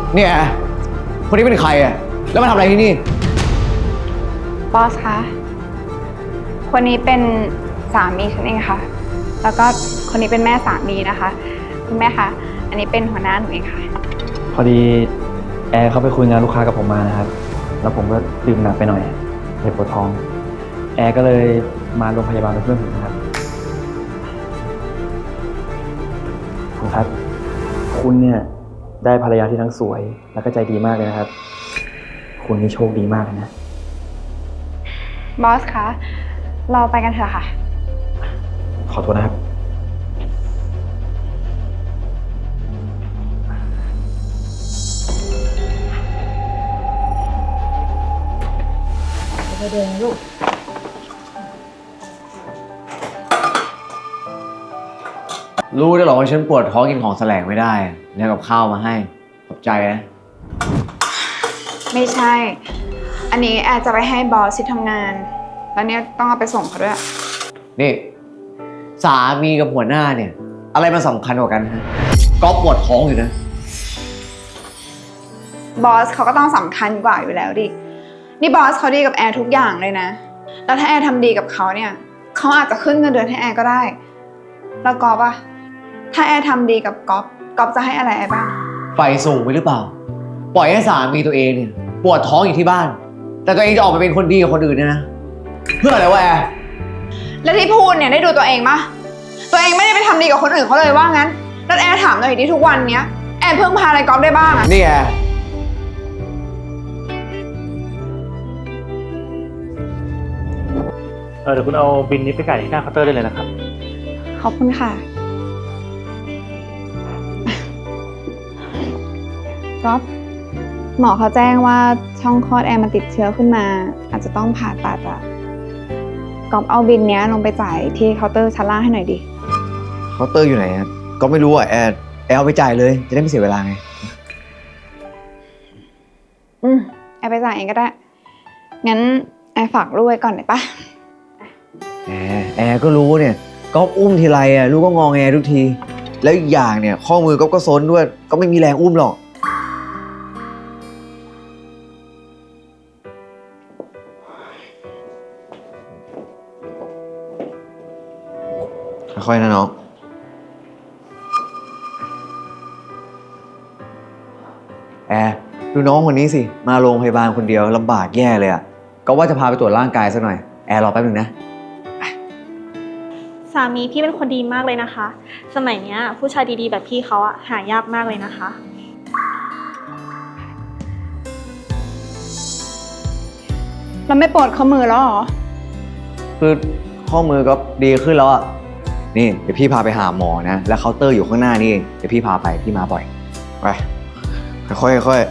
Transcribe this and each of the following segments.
เนี่ยคนนี้เป็นใครอ่ะแล้วมาทำอะไรที่นี่บอสคะคนนี้เป็นสามีฉันเองค่ะแล้วก็คนนี้เป็นแม่สามีนะคะคุณแม่คะอันนี้เป็นหัวหน้าหนูเองค่ะพอดีแอร์เขาไปคุยงานลูกค้ากับผมมานะครับแล้วผมก็ดื่มหนักไปหน่อยเลยปวดท้องแอร์ก็เลยมาโรงพยาบาลเป็นเพื่อนผมนะครับคุณครับคุณเนี่ยได้ภรรยาที่ทั้งสวยแล้วก็ใจดีมากเลยนะครับคุณนี่โชคดีมากเลยนะบอสคะเราไปกันเถอะค่ะขอโทษนะครับไปเดินลูกรู้ได้หรอว่าฉันปวดท้องกินของแสลงไม่ได้เนี่ยกับข้าวมาให้ขอบใจนะไม่ใช่อันนี้แอร์จะไปให้บอสที่ทำงานแล้วเนี่ยต้องเอาไปส่งเขาด้วยนี่สามีกับหัวหน้าเนี่ยอะไรมันสำคัญกว่ากันฮะก็ปวดท้องอยู่นะบอสเขาก็ต้องสำคัญกว่าอยู่แล้วดินี่บอสเขาดีกับแอร์ทุกอย่างเลยนะแล้วถ้าแอร์ทำดีกับเขาเนี่ยเขาอาจจะขึ้นเงินเดือนให้แอร์ก็ได้แล้วก๊อฟอะถ้าแอร์ทำดีกับก๊อฟจะให้อะไรแอร์บ้างไฟสูงไปหรือเปล่าปล่อยให้สามีตัวเองเนี่ยปวดท้องอยู่ที่บ้านแต่ตัวเองจะออกไปเป็นคนดีกับคนอื่นเนี่ยนะเพื่ออะไรวะแอร์แล้วที่พูดเนี่ยได้ดูตัวเองปะตัวเองไม่ได้ไปทำดีกับคนอื่นเขาเลยว่างั้นแล้วแอร์ถามหน่อยดิทุกวันเนี้ยแอร์เพิ่งพาอะไรก๊อฟได้บ้างอะนี่แอร์เดี๋ยวคุณเอาบินนี้ไปจ่ายที่หน้าเคาน์เตอร์ได้เลยนะครับขอบคุณค่ะก๊อฟหมอเขาแจ้งว่าช่องคลอดแอร์มันติดเชื้อขึ้นมาอาจจะต้องผ่าตัดอะก๊อฟเอาบินเนี้ยลงไปจ่ายที่เคาน์เตอร์ชั้นล่างให้หน่อยดิเคาน์เตอร์อยู่ไหนครับก็ไม่รู้อ่ะแอร์เอาไปจ่ายเลยจะได้ไม่เสียเวลาไงแอร์ไปจ่ายเองก็ได้งั้นแอร์ฝากลูกไว้ก่อนได้ปะแอร์ก็รู้เนี่ยก็อุ้มทีไรอ่ะลูกก็งอแงทุกทีแล้วอีกอย่างเนี่ยข้อมือก็ซนด้วยก็ไม่มีแรงอุ้มหรอกค่อยๆนะน้องแอร์ดูน้องคนนี้สิมาโรงพยาบาลคนเดียวลำบากแย่เลยอ่ะก็ว่าจะพาไปตรวจร่างกายสักหน่อยแอร์รอแป๊บนึงนะสามีพี่เป็นคนดีมากเลยนะคะสมัยเนี้ยผู้ชายดีๆแบบพี่เขาอะหายากมากเลยนะคะเราไม่ปวดข้อมือแล้วหรอคือข้อมือก็ดีขึ้นแล้วอ่ะนี่เดี๋ยวพี่พาไปหาหมอนะแล้วเคาน์เตอร์อยู่ข้างหน้านี่เดี๋ยวพี่พาไปพี่มาบ่อยไปค่อย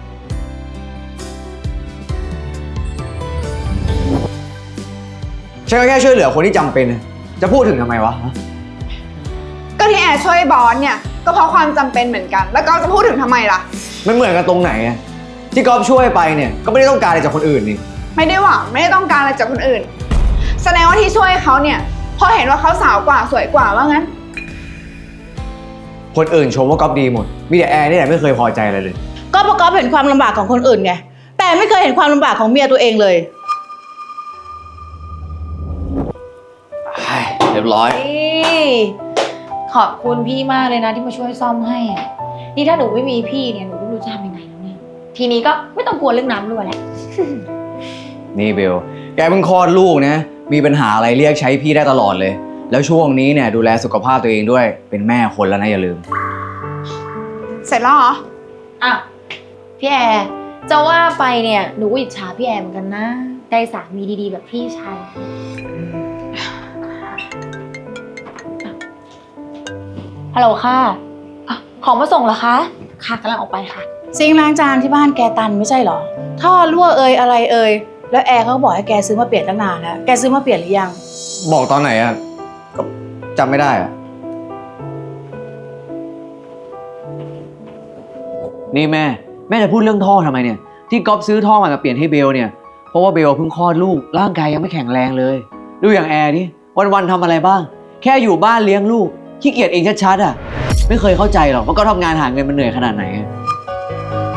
ฉันก็แค่ช่วยเหลือคนที่จำเป็นจะพูดถึงทำไมวะก็ที่แอร์ช่วยบอสเนี่ยก็เพราะความจำเป็นเหมือนกันแล้วก็จะพูดถึงทำไมล่ะมันเหมือนกันตรงไหนอะที่ก๊อฟช่วยไปเนี่ยก็ไม่ได้ต้องการอะไรจากคนอื่นนี่ไม่ได้หวังไม่ได้ต้องการอะไรจากคนอื่นแสดงว่าที่ช่วยเขาเนี่ยเพราะเห็นว่าเขาสาวกว่าสวยกว่าว่างั้นคนอื่นชมว่าก๊อฟดีหมดมีแต่แอร์นี่แหละไม่เคยพอใจอะไรเลยก็เพราะก๊อฟเห็นความลำบากของคนอื่นไงแต่ไม่เคยเห็นความลำบากของเมียตัวเองเลยเรียบร้อยขอบคุณพี่มากเลยนะที่มาช่วยซ่อมให้อ่ะนี่ถ้าหนูไม่มีพี่เนี่ยหนูไม่รู้จะทำยังไงแล้วเนี่ยทีนี้ก็ไม่ต้องกลัวเรื่องน้ำรั่วแล้วนี่เบลแกเพิ่งคลอดลูกนะมีปัญหาอะไรเรียกใช้พี่ได้ตลอดเลยแล้วช่วงนี้เนี่ยดูแลสุขภาพตัวเองด้วยเป็นแม่คนแล้วนะอย่าลืมเสร็จแล้วเหรออ่ะพี่แอร์จะว่าไปเนี่ยหนูก็อิจฉาพี่แอร์เหมือนกันนะได้สามีดีๆแบบพี่ชายฮัลโหลค่ะของมาส่งเหรอคะค่ะกำลังออกไปค่ะซิงค์ล้างจานที่บ้านแกตันไม่ใช่เหรอท่อรั่วอะไรแล้วแอร์เขาบอกให้แกซื้อมาเปลี่ยนตั้งนานแล้วแกซื้อมาเปลี่ยนหรือยังบอกตอนไหนอะก็จำไม่ได้อะนี่แม่จะพูดเรื่องท่อทำไมเนี่ยที่ก๊อฟซื้อท่อมาเปลี่ยนให้เบลเนี่ยเพราะว่าเบลเพิ่งคลอดลูกร่างกายยังไม่แข็งแรงเลยดูอย่างแอร์นี่วันๆทำอะไรบ้างแค่อยู่บ้านเลี้ยงลูกขี้เกียจเองชัดๆอ่ะไม่เคยเข้าใจหรอกว่าก็ทำงานหาเงินมันเหนื่อยขนาดไหน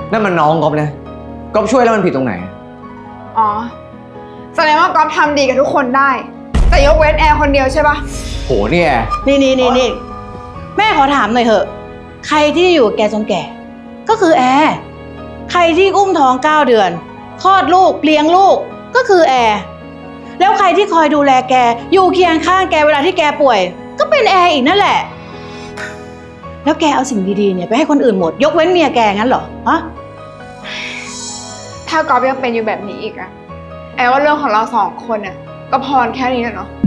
นั่นมันน้องก๊อฟนะก๊อฟช่วยแล้วมันผิดตรงไหนอ๋อ แสดงว่าก๊อฟทำดีกับทุกคนได้ แต่ยกเว้นแอร์คนเดียวใช่ปะโหนี่แอร์นี่แม่ขอถามหน่อยเถอะ ใครที่อยู่กับแกจนแก่ ก็คือแอร์ใครที่อุ้มท้อง9 เดือนคลอดลูกเลี้ยงลูกก็คือแอร์แล้วใครที่คอยดูแลแกอยู่เคียงข้างแกเวลาที่แกป่วย ก็เป็นแอร์อีกนั่นแหละ แล้วแกเอาสิ่งดีๆเนี่ยไปให้คนอื่นหมด ยกเว้นเมียแกงั้นเหรอฮะถ้าก๊อฟยังเป็นอยู่แบบนี้อีกอะแอร์ว่าเรื่องของเรา2 คนเนี่ยก็พอแค่นี้แหละเนาะ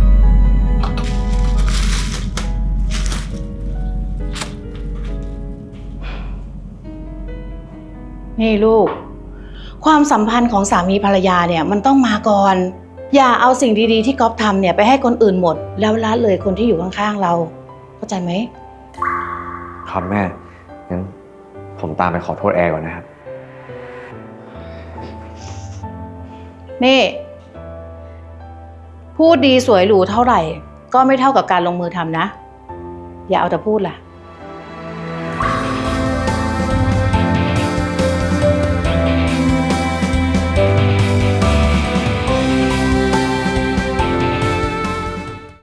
นี่ลูก ความสัมพันธ์ของสามีภรรยาเนี่ยมันต้องมาก่อน อย่าเอาสิ่งดีๆที่ก๊อฟทำเนี่ยไปให้คนอื่นหมด แล้วละเลยคนที่อยู่ข้างๆเรา เข้าใจไหมครับแม่ งั้นผมตามไปขอโทษแอร์ก่อนนะครับนี่ พูดดีสวยหรูเท่าไหร่ ก็ไม่เท่ากับการลงมือทำนะ อย่าเอาแต่พูดล่ะ